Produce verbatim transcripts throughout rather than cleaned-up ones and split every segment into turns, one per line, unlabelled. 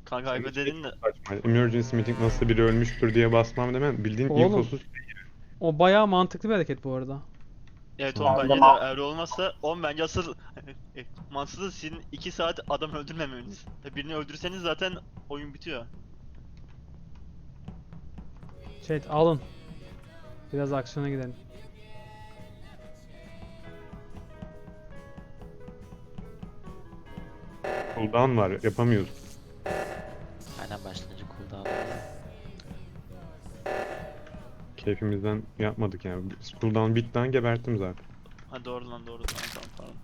Kanka
Senin
hype
şey
dedin de.
çok saçma. Emergency meeting nasıl biri ölmüştür diye basmam demem. Bildiğin
Oğlum
infosuz.
o bayağı mantıklı bir hareket bu arada.
Evet oğlum
Tamam.
bence de eğer olmazsa oğlum bence asıl mantıksız sizin iki saat adam öldürmemeniz. E, Birini öldürseniz zaten oyun bitiyor.
Chat alın. Biraz aksiyona gidelim.
Cooldown var. Yapamıyoruz.
Aynen başlayınca cooldown oluyor.
Keyfimizden yapmadık yani. Cooldown bitten geberttim zaten.
Ha doğru lan doğru tamam tamam pardon.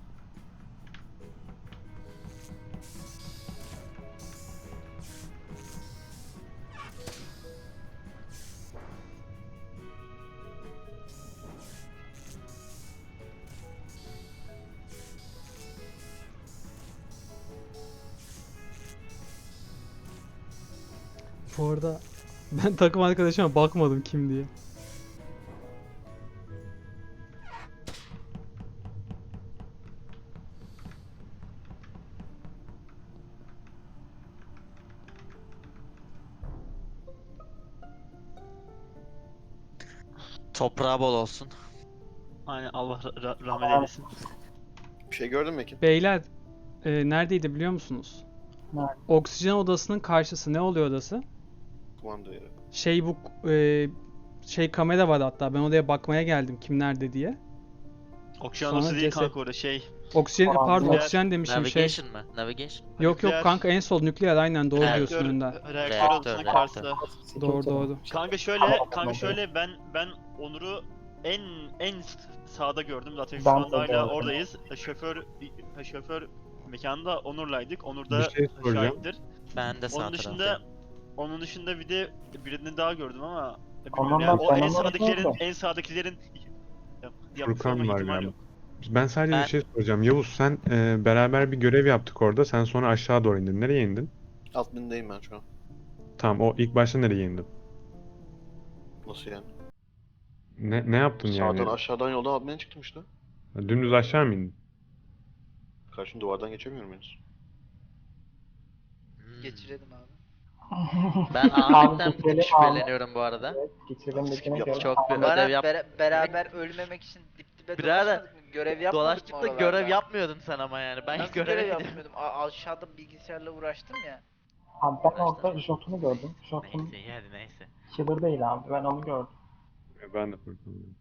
Bu arada ben takım arkadaşıma bakmadım kim diye.
Toprağı bol olsun.
Aynen Allah ra- ra- rahmet eylesin.
Bir şey gördün mü Ekin?
Beyler e, neredeydi biliyor musunuz?
Nerede?
Oksijen odasının karşısı ne oluyor odası?
Kumanda yeri.
Şey bu e, şey kamera var hatta ben odaya bakmaya geldim kim nerede diye.
Oksijen
Sonra
odası değil
ceset.
kanka orada şey.
Oksijen
Aa,
pardon
nükleer-
oksijen demişim şey.
Navigation mı? Navigation.
Yok yok
Nükleer-
kanka en sol nükleer aynen doğru
Evet.
diyorsun
Reaktör,
önden.
reaktör
Reaktör,
odasının
reaktör.
karşısında.
Doğru doğru.
Kanka şöyle, kanka şöyle ben ben Onur'u en en sağda gördüm zaten şu
Ben
anda
de
hala
gördüm.
oradayız. Şoför şoför mekanda Onur'laydık. Onur
Bir
da
şey soracağım.
şahittir.
Ben de sağ
Onun dışında
taraftayım.
onun dışında bir de birini daha gördüm ama e,
Ondan
bilmiyorum yani
ben-
o
ben
en
onu
sağdakilerin
unutmadım.
en sağdakilerin yap- yapmış
Furkan
olma
var
ihtimali
galiba.
yok.
Ben sadece
Ben-
bir şey soracağım. Yavuz sen e, beraber bir görev yaptık orada. Sen sonra aşağı doğru indin. Nereye indin?
Admin'deyim ben şu an.
Tamam o ilk başta nereye indin?
Nasıl yani?
Ne, ne yaptın yani?
Sağdan aşağıdan yoldan admin'e çıktım işte.
Dümdüz aşağı mı indin?
Karşım duvardan geçemiyorum henüz.
Hmm.
Geçirelim abi.
Ben Ahmet'ten bir
geçelim
tık
abi.
şüpheleniyorum bu arada.
Evet, geçelim dediğine
Çok
göre.
Çok bir
Bana
ödev yap.
bere- beraber ölmemek için dip dibe
Birader,
dolaşmadık mı? Görev yapmadık mı
Dolaştık da
oralarda?
görev yapmıyordun sen ama yani. Ben
Nasıl
göreve
görev
gidiyorum.
yapmıyordum? A- aşağıda bilgisayarla uğraştım ya.
Abi ben orada Jotun'u gördüm. Jotun
Neyse iyi hadi neyse.
killer değil abi. Ben onu gördüm.
E, Ben de Furkan'ım.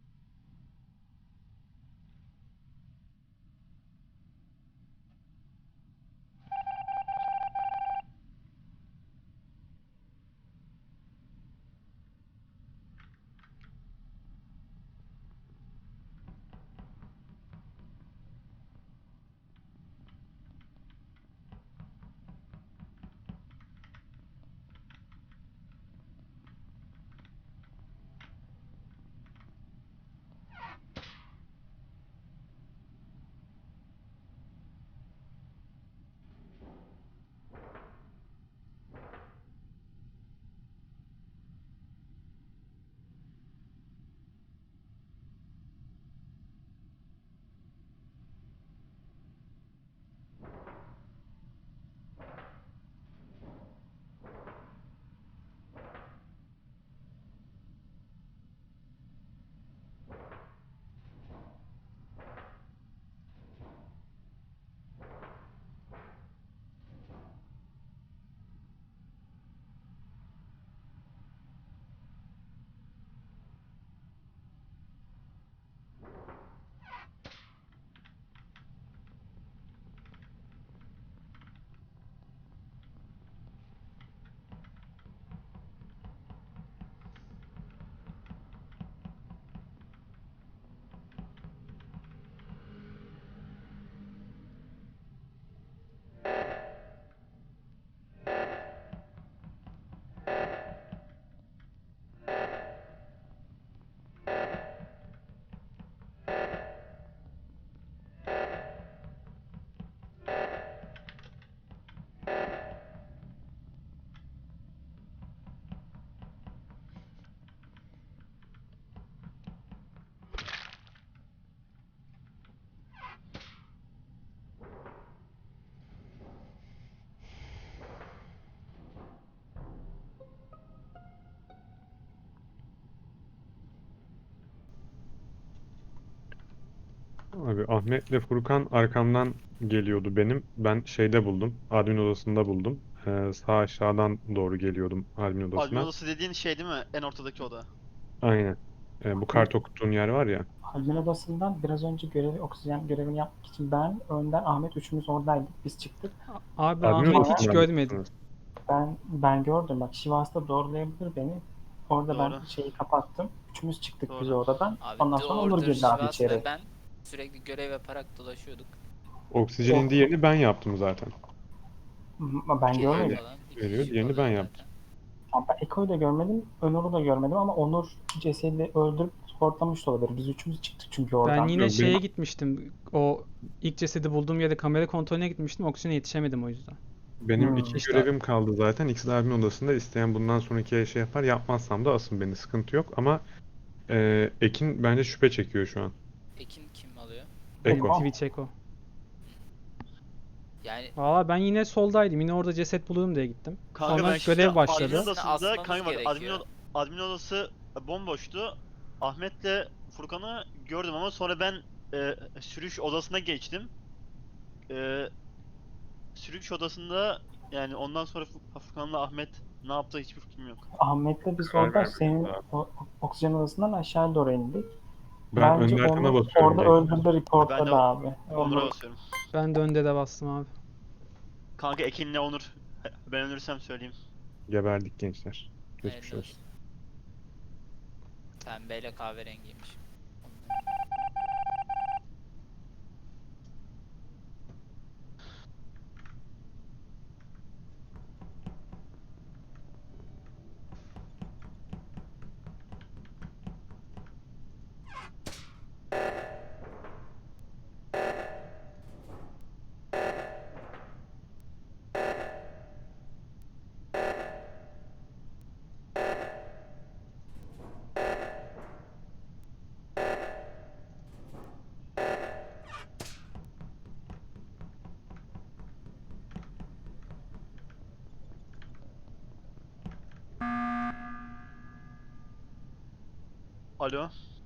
Abi Ahmet'le Furkan arkamdan geliyordu benim. Ben şeyde buldum. Admin odasında buldum. Ee, sağ aşağıdan doğru geliyordum admin
Admin
odasına.
odası dediğin şey değil mi? En ortadaki oda.
Aynen. Ee, bu kart okuttuğun yer var ya.
Admin odasından biraz önce görevi, oksijen görevini yapmak için ben, Önder, Ahmet üçümüz oradaydık. Biz çıktık.
Abi
Admin
Ahmet hiç
odasından
görmedim.
mısınız?
Ben ben gördüm bak, Şivas da doğrulayabilir beni. Orada ben
Doğru.
şeyi kapattım. Üçümüz çıktık biz
Doğru.
oradan.
Abi
Ondan
The
sonra Onur
Order,
girdi abi
Şivas
içeri.
ve ben sürekli görev yaparak dolaşıyorduk.
Oksijen indiği yerini ben yaptım zaten.
Ama ben
İki
görmedim.
falan, iki
Veriyor,
kişi
diğerini
falan
ben
zaten.
yaptım.
Ama ben Eko'yu da görmedim, Onur'u da görmedim ama Onur cesedi öldürüp sportlamış da olabilir. Biz üçümüz çıktık çünkü oradan.
Ben yine
Yok,
şeye
benim-
gitmiştim. O ilk cesedi bulduğum yerde kamera kontrolüne gitmiştim. Oksijene yetişemedim o yüzden.
Benim
Hmm.
iki
İşte-
görevim kaldı zaten. İkisi de admin odasında. İsteyen bundan sonraki şey yapar. Yapmazsam da asın beni. Sıkıntı yok. Ama e, Ekin bence şüphe çekiyor şu an.
Ekin kim alıyor?
Eko.
Eyvah.
Twitch Echo.
Yani
Valla ben yine soldaydım. Yine orada ceset bulurum diye gittim.
Kanka
Sonra
ben şimdi
görev
admin
başladı.
odasında,
Asmamız
kanka bak admin,
gerekiyor.
od- admin odası bomboştu. Ahmet'le Furkan'ı gördüm ama sonra ben e, sürüş odasına geçtim. E, sürüş odasında yani ondan sonra Fu- Furkan'la Ahmet ne yaptı hiçbir fikrim yok.
Ahmet'le biz
Karar
orada
vermedim
senin
abi.
o, oksijen odasından aşağı doğru indik.
Ben
Bence
Önder Kan'a
onu
basıyorum.
orada
direkt.
öldürdü, reportladı
Ben de
abi.
Onur'a
Onur,
basıyorum.
Ben de önde de bastım abi.
Kanka Ekin'le Onur. Ben ölürsem söyleyeyim.
Geberdik gençler. Geçmiş
hayırlı
olsun.
olsun. Pembeyle kahverengiymiş.
Alo.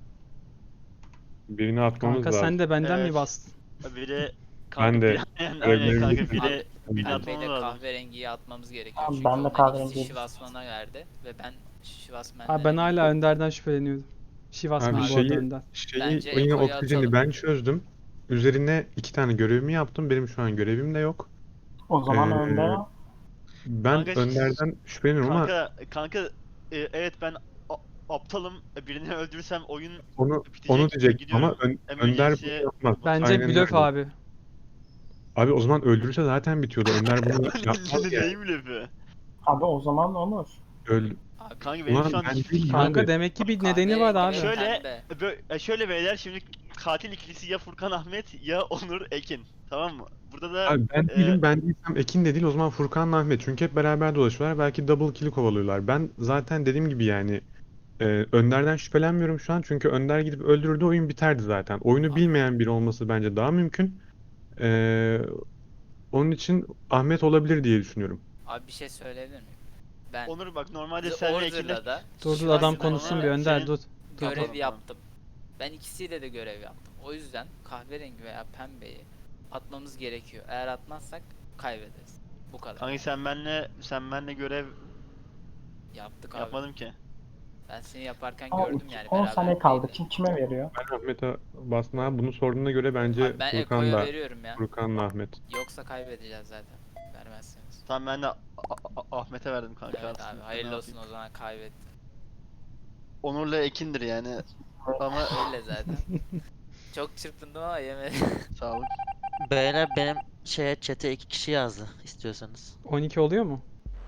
Birini atmamız
Kanka
lazım.
sen de benden
Evet.
mi bastın?
Biri kanka
Ben de
biri- aynen, aynen
görevlerimi
kanka
bitirdim.
biri birini
Ben-
atmamız
Pembeyle
lazım.
kahverengiyi atmamız gerekiyor.
Abi
Çünkü
ben de
onların
kahverengiyi
ikisi Şivasman'a verdi ve ben Şivasman'la
Abi ben hala Önder'den şüpheleniyordum. Şivas
Abi
mı bu
şeyi,
arada Önder?
şeyi
Bence
yine
Eko'yu
oksijeni
atalım.
ben çözdüm. Üzerine iki tane görevimi yaptım. Benim şu an görevim de yok.
o zaman
Ee,
Önder
Ben
Kanka,
Önder'den şüpheleniyorum ama
Kanka kanka e, evet ben a- aptalım. Birini öldürürsem oyun
onu
bitecek.
onu
Ben
diyecektim ama
gidiyorum.
Ön- Önder bunu
Emergency'ye
yapmaz.
Bence
Aynen
blöf
öyle.
abi.
Abi o zaman öldürürse zaten bitiyordu. Önder bunu yapmaz yani.
Neyim lafı?
abi o zaman Onur.
Öldü.
Abi,
Kanka benim
Ulan
şu an
ben
hiçbir
değilim
fikrim
abi.
yok.
Kanka demek ki bir nedeni var abi.
kahverengi ve
Şöyle
pembe.
bö- e, şöyle beyler şimdi katil ikilisi ya Furkan Ahmet ya Onur Ekin. Tamam mı? Burada da
Abi ben
e,
değilim, ben değilsem Ekin de değil, o zaman Furkan'la Ahmet. Çünkü hep beraber dolaşıyorlar. Belki double kill'i kovalıyorlar. Ben zaten dediğim gibi yani e, Önder'den şüphelenmiyorum şu an. Çünkü Önder gidip öldürdü, oyun biterdi zaten. Oyunu bilmeyen biri olması bence daha mümkün. E, onun için Ahmet olabilir diye düşünüyorum.
Abi bir şey söyleyebilir miyim? Ben
Onur bak normalde
The
sen ve Ekin'le
Order'la da
Dur dur
Şivasman'la
adam konuşsun bir Önder
senin-
dur. Dur,
görev
dur.
Tamam,
yaptım. Ben ikisiyle de görev yaptım. O yüzden kahverengi veya pembeyi atmamız gerekiyor. Eğer atmazsak kaybederiz. Bu kadar.
Kanka sen benle sen benle görev
Yaptık abi.
yapmadım ki.
Ben seni yaparken
Ama
gördüm yani.
on saniye kaldı.
beraber
Kim kime veriyor?
Ben Ahmet'e bastım abi. Bunu sorduğuna göre bence
Abi ben Eko'ya
Furkan'la
veriyorum ya.
Furkan'la Ahmet.
Yoksa kaybedeceğiz zaten. Vermezseniz.
Tamam ben de A- A- Ahmet'e verdim kanka.
Evet
aslında.
abi
Ne
hayırlı olsun
yapayım?
o zaman kaybetti.
Onur'la Ekin'dir yani. Ama
Öyle zaten. Çok çırpındım ama yemedim.
sağ olun.
Beyler benim şeye chat'e iki kişi yazdı istiyorsanız.
on iki oluyor mu?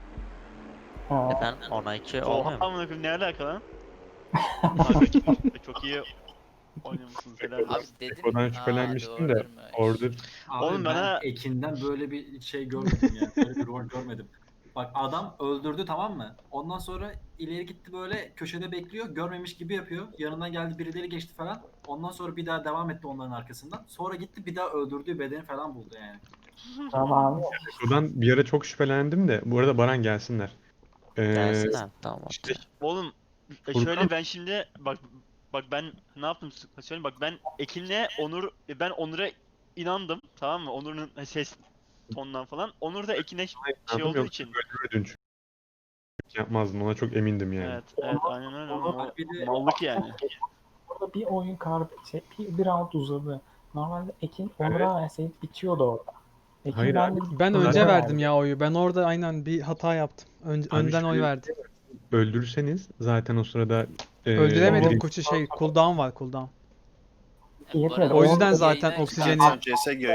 Ha,
Efendim ona iki
Oha
olmuyor mu?
amına koyayım ne alaka lan? Kanka çok, çok iyi oynuyormuşsunuz helal
Abi
olsun.
dedim.
Eko'dan
aa,
şüphelenmiştim de
doğrudur mu?
orada
Abi
Oğlum
ben
bana-
Ekin'den böyle bir şey görmedim yani. Böyle bir rol görmedim. Bak adam öldürdü, tamam mı? Ondan sonra ileri gitti, böyle köşede bekliyor. Görmemiş gibi yapıyor. Yanından geldi, birileri geçti falan. Ondan sonra bir daha devam etti onların arkasından. Sonra gitti bir daha öldürdüğü bedeni falan buldu yani.
tamam abi.
Eko'dan bir ara çok şüphelendim de. Bu arada Baran gelsinler. Ee,
Gelsin abi tamam
işte
okey.
Oğlum e,
Furkan-
şöyle ben şimdi bak bak ben ne yaptım s- söyleyeyim, bak ben Ekin'le Onur, ben Onur'a inandım, tamam mı? Onur'un ses tonundan falan. Onur da Ekin'e şey
İnandım,
olduğu
yoksa
için.
öldürürdün çünkü. Yapmazdın, ona çok emindim yani.
Evet, evet, aynen öyle.
Onur-
Mal-
Bir de-
mallık yani.
Burada bir oyun kar şey, bir, bir round uzadı. Normalde Ekin Onur'a verseydi bitiyordu orada. Ekin
Hayır
ben
abi,
de
Ben
Zaten-
önce verdim ya oyu. Ben orada aynen bir hata yaptım. Ön-
Abi
önden oy
şöyle-
verdim.
Öldürürseniz zaten o sırada e,
Öldüremedik
biri-
koçu şey cooldown var cooldown.
Yetmedi.
Bu arada
O yüzden
yayına
zaten
çıkan-
oksijeni-
Sen C S G